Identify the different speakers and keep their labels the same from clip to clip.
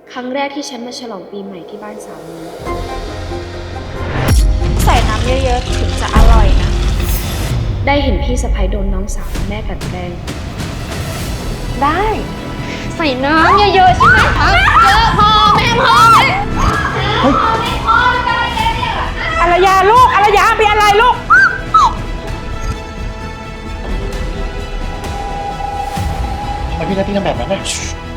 Speaker 1: ครั้งแรกที่ฉันมาฉลองปีใหม่ที่บ้านสามี
Speaker 2: ใส่น้ำเยอะๆถึงจะอร่อยนะ
Speaker 1: ได้เห็นพี่สะใภ้โดนน้องสาวแม่กลั่นแกล้ง
Speaker 2: ได้ใส่น้ำเยอะๆใช่ไหมเยอะพอแม่พออารยาลูกอารยาเป็นอะไรลูก
Speaker 3: ทำไมพี่นัทที่ทำแบบนั้นน่ะ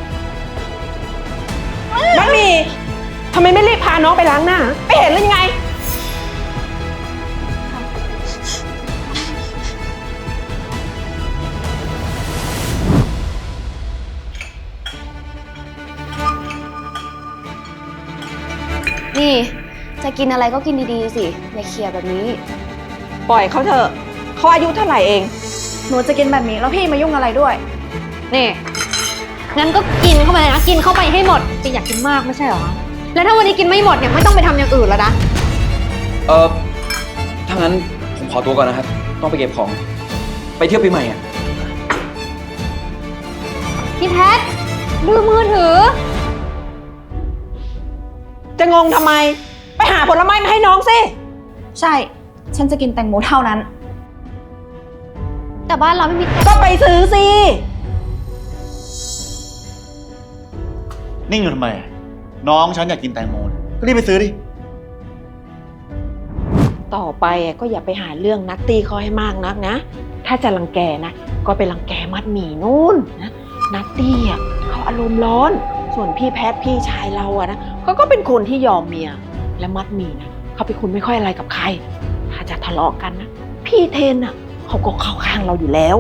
Speaker 2: มัดหมี่ทำไมไม่รีบพาน้องไปล้างหน้าไม่เห็นหรือยังไง
Speaker 1: นี่จะกินอะไรก็กินดีๆสิอย่าเคียแบบนี้
Speaker 2: ปล่อยเขาเถอะเขาอายุเท่าไหร่เอง
Speaker 4: หนูจะกินแบบนี้แล้วพี่มายุ่งอะไรด้วย
Speaker 5: นี่งั้นก็กินเข้าไปนะกินเข้าไปให้หมดจะอยากกินมากไม่ใช่เหรอแล้วถ้าวันนี้กินไม่หมดเนี่ยไม่ต้องไปทำอย่างอื่นแล้วนะ
Speaker 6: ถ้างั้นผมขอตัวก่อนนะครับต้องไปเก็บของไปเที่ยวปีใหม่อ่ะ
Speaker 5: พี่แพทดูมือถือ
Speaker 2: จะงงทำไมไปหาผลไม้มาให้น้องสิ
Speaker 4: ใช่ฉันจะกินแตงโมเท่านั้น
Speaker 5: แต่บ้านเราไม่มี
Speaker 2: ก็ไปซื้อสิ
Speaker 3: นิ่งอยู่ทำไมน้องฉันอยากกินแตงโมก็รีบไปซื้อดิ
Speaker 2: ต่อไปก็อย่าไปหาเรื่องนัตตี้เขาให้มากนักนะถ้าจะรังแกนะก็ไปรังแกมัดหมี่นู่นนะนัตตี้เขาอารมณ์ร้อนส่วนพี่แพทพี่ชายเรานะเขาก็เป็นคนที่ยอมเมียและมัดหมี่นะเขาเป็นคนไม่ค่อยอะไรกับใครถ้าจะทะเลาะกันนะพี่เทนเขาก็เข้าข้างเราอยู่แล้ว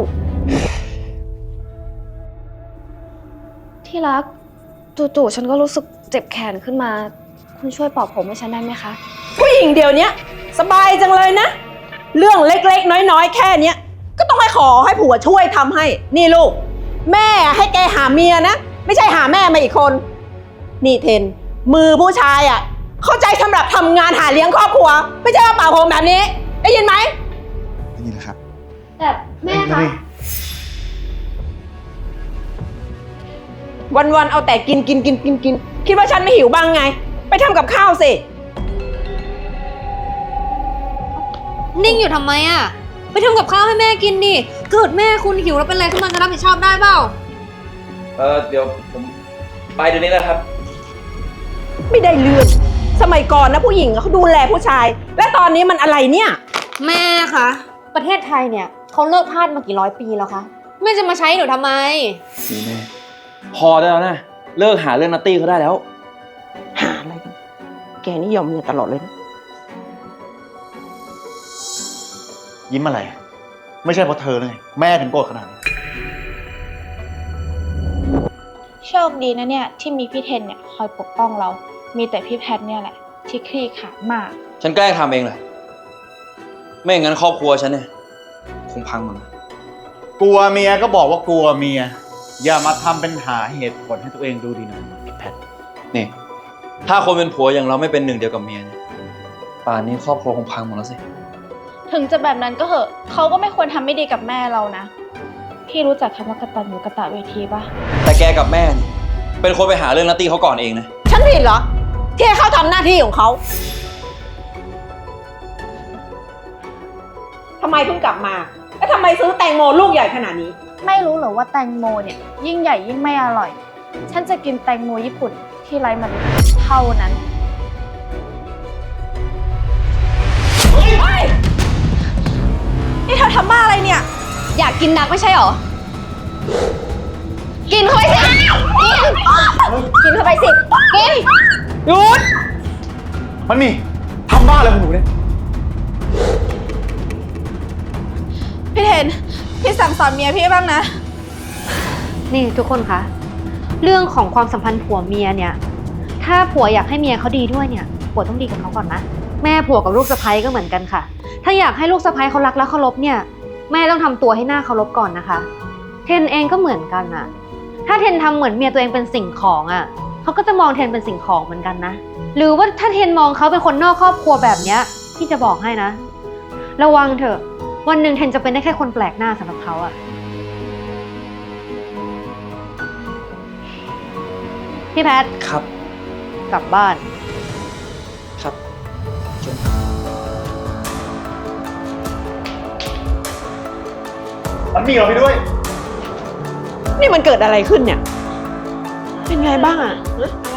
Speaker 1: ที่รักจู่ๆฉันก็รู้สึกเจ็บแขนขึ้นมาคุณช่วยปลอบผมให้ฉันได้ไหมคะ
Speaker 2: ผู้หญิงเดี๋ยวนี้สบายจังเลยนะเรื่องเล็กๆน้อยๆแค่เนี้ยก็ต้องให้ขอให้ผัวช่วยทำให้นี่ลูกแม่ให้แกหาเมียนะไม่ใช่หาแม่มาอีกคนนี่เทนมือผู้ชายเข้าใจสำหรับทำงานหาเลี้ยงครอบครัวไม่ใช่มาเป่าผมแบบนี้ได้ยินไหม
Speaker 3: ได้ยินแล้วครับ
Speaker 1: แต่แม่คะ
Speaker 2: วันๆเอาแต่กินคิดว่าฉันไม่หิวบ้างไงไปทำกับข้าวสิ
Speaker 5: นิ่งอยู่ทำไมอ่ะไปทำกับข้าวให้แม่กินดิเกิดแม่คุณหิวแล้วเป็นอะไรขึ้นมาจะรับผิดชอบได้เปล่า
Speaker 6: เดี๋ยวผมไปเดี๋ยวนี้แหละครับ
Speaker 2: ไม่ได้เรื่องสมัยก่อนนะผู้หญิงเขาดูแลผู้ชายและตอนนี้มันอะไรเนี่ย
Speaker 5: แม่คะประเทศไทยเนี่ยเขาเลิกทาสมากี่ร้อยปีแล้วคะแม่จะมาใช้หนูทำไม
Speaker 6: นี่แม่พอได้แล้วนะเลิกหาเรื่องนัตตี้เขาได้แล้ว
Speaker 2: หาอะไรกันแกนี่ยอมเมียตลอดเลยนะ
Speaker 3: ยิ้มอะไรไม่ใช่เพราะเธอเลยแม่ถึงโกรธขนาดนี้
Speaker 4: โชคดีนะเนี่ยที่มีพี่เทนเนี่ยคอยปกป้องเรา มีแต่พี่แพทเนี่ยแหละที่คลี่ขลาดมาก
Speaker 6: ฉันแกล้งทำเองแหละไม่อย่างนั้นครอบครัวฉันเนี่ยคงพังหมดนะ
Speaker 3: กลัวเมียก็บอกว่ากลัวเมียอย่ามาทำเป็นหาเหตุผลให้ตัวเองดูดีหน่อยพี่แพท
Speaker 6: นี่ถ้าคนเป็นผัวอย่างเราไม่เป็นหนึ่งเดียวกับเมียเนี่ยป่านนี้ครอบครัวคงพังหมดแล้วสิ
Speaker 4: ถึงจะแบบนั้นก็เหอะเขาก็ไม่ควรทำไม่ดีกับแม่เรานะพี่รู้จักคำว่ากตัญญูกตเวทีปะ
Speaker 6: แต่แกกับแม่เนี่ยเป็นคนไปหาเรื่องนัตตี้เขาก่อนเองนะ
Speaker 2: ฉันผิดเหรอที่ให้เขาทำหน้าที่ของเขาทำไมเพิ่งกลับมาแล้วทำไมซื้อแตงโมลูกใหญ่ขนาดนี้
Speaker 4: ไม่รู้เหรอว่าแตงโมเนี่ยยิ่งใหญ่ยิ่งไม่อร่อยฉันจะกินแตงโมญี่ปุ่นที่ไร้เมล็ดเท่านั้นนี่เธอทำบ้าอะไรเนี่ย
Speaker 5: อยากกินนักไม่ใช่หรอกินเข้าไปสิกินเข้าไปสิกิน
Speaker 2: หยุด
Speaker 3: มันมีทำบ้าอะไรของหนูเนี่ย
Speaker 4: พี่เทนพี่สั่งสอนเมียพี่บ้างนะ
Speaker 5: นี่ทุกคนคะเรื่องของความสัมพันธ์ผัวเมียเนี่ยถ้าผัวอยากให้เมียเขาดีด้วยเนี่ยผัวต้องดีกับเขาก่อนนะแม่ผัวกับลูกสะใภ้ก็เหมือนกันค่ะถ้าอยากให้ลูกสะใภ้เขารักและเคารพเนี่ยแม่ต้องทำตัวให้หน้าเคารพก่อนนะคะเทนเองก็เหมือนกันอะถ้าเทนทำเหมือนเมียตัวเองเป็นสิ่งของอะเขาก็จะมองเทนเป็นสิ่งของเหมือนกันนะหรือว่าถ้าเทนมองเขาเป็นคนนอกครอบครัวแบบเนี้ยพี่จะบอกให้นะระวังเถอะวันหนึ่งเทนจะเป็นได้แค่คนแปลกหน้าสำหรับเขาอะพี่แพท
Speaker 6: ครับ
Speaker 5: กลับบ้าน
Speaker 6: ครับเชิญ
Speaker 3: มันมีเราไปด้วย
Speaker 2: นี่มันเกิดอะไรขึ้นเนี่ย เป็นไงบ้างอะฮะ